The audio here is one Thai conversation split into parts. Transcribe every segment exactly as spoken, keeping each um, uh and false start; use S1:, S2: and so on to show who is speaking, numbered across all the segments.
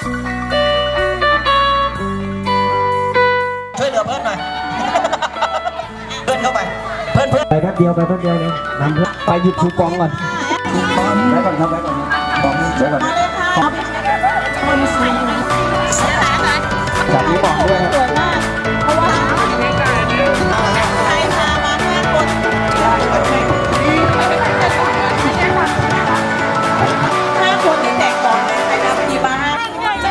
S1: ช่วยเหลือเพื่อนหน่อยเพื่อนเข้าไปเพื่อนเพื่อน
S2: ไปแป๊บเดียวไปแป๊บเดียวเลยนำเพื่อนไปหยิบคูปองก่อนไว้ก่อนครับไว้ก่อนปองไว้ก่อนจับนี้บอกด้วยครับ
S3: เพราะว่าใครพามาห้าคนห้าคนที่แตกก่อนใครทำดีบ้างเอาใคร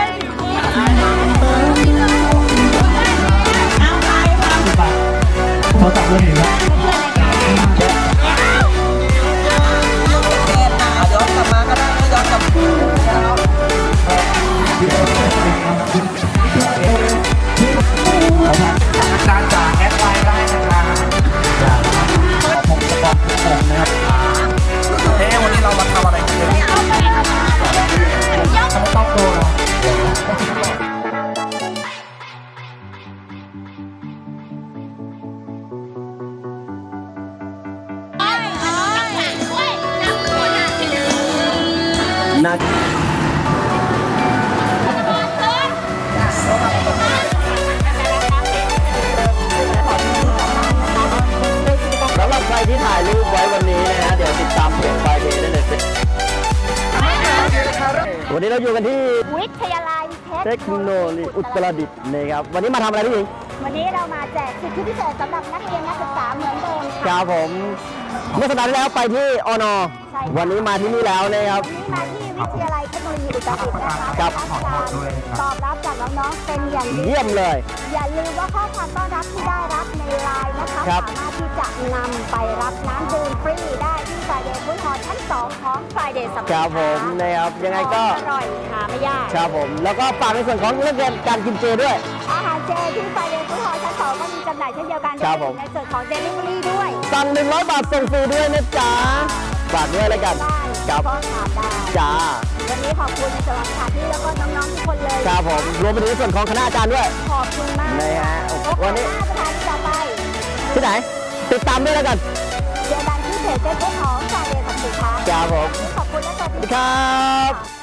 S3: พา
S2: เขาจับเลยเห็นไหม
S1: ย้อนกลับมาก็ได้ย้อนกลับการจากแอดไลน์ได้นะครับผมจะบอกทุกคนนะครับเฮ้ยวันนี้เรามาทำอะไรกันเนี่ยไม่ต้องโกงนักสำหรับใครที่ถ่ายรูปไว้วันนี้นะฮะเดี๋ยวติดตามเพจไฟเดย์ได้เลยวันนี้เราอยู่กันที่
S4: วิทยาลัย
S2: เทคโนโลยีอุตรดิตถ์นะครับวันนี้มาทำอะไรพี่หญิง
S4: วันนี้เรามาแจกสิทธิพิเศษสำหรับนักเรียนนักศึกษาเหมือนเดิม
S2: ค
S4: ค่ะ
S2: รับผมเมื่อสัปดาห์ที่แล้วไปที่อนอ
S4: ใช่ค่ะ
S2: วันนี้มาที่นี่แล้วนะครับ
S4: วันนี้มาที่วิทยาลัยเทคโนโลยีอุตรดิตถ์นะคะ
S2: ครับ
S4: ได้รับการตอบรับจากน้องๆเป็นอย่างดี
S2: เยี่ยมเลย
S4: อย่าลืมว่าข้อความต้อนรับที่ได้รับในไลน์นะคะ
S2: ครับ
S4: สามารถที่จะนำไปรับน้ำดื่มฟรีได้ที่ไฟเดย์ฟู้ดฮอลล์ชั้นสองของไฟเดย์สัป
S2: ค
S4: ดา
S2: รับ
S4: ห์
S2: ผมนะครับยังไงก็
S4: อร่อยหาไม่ยาก
S2: ครับผมแล้วก็ฝากในส่วนของเรื่องการกินเจด้วย
S4: อาหารเจที่ไฟเดย์ฟู้ดฮอลล์ชั้นสองก็มีจำหน่ายเช่นเดียวกัน
S2: ครับผม
S4: ในส่วนของเดลิเวอรี่ด้วย
S2: สั่งหนึ่งร้อยบาทส่งฟรีด้วยนะจ๊ะฝากด้วยแล้วกัน
S4: ได้
S2: ครับ
S4: ก็ถามได้
S2: จ้า
S4: วันนี้ขอบคุณในส่วนของสถานที่แล้วก็น้องๆทุกคนเลย
S2: ครับผมรวมไปถึงในส่วนของคณะอาจารย์ด้วย
S4: ขอบคุณมาก
S2: นะฮะ
S4: โอ
S2: วั
S4: กาน ส
S2: นี้
S4: หน้าสถานที่ต่อไป
S2: ที่ไหนติดตามด้วยแล้วกัน
S4: เจอกันที่เพจเฟซบุ๊กของสายเดย์สัมสินค้า
S2: ครับผม
S4: ขอบคุณและสวัส
S2: สวัส
S4: ดี
S2: ดีครับ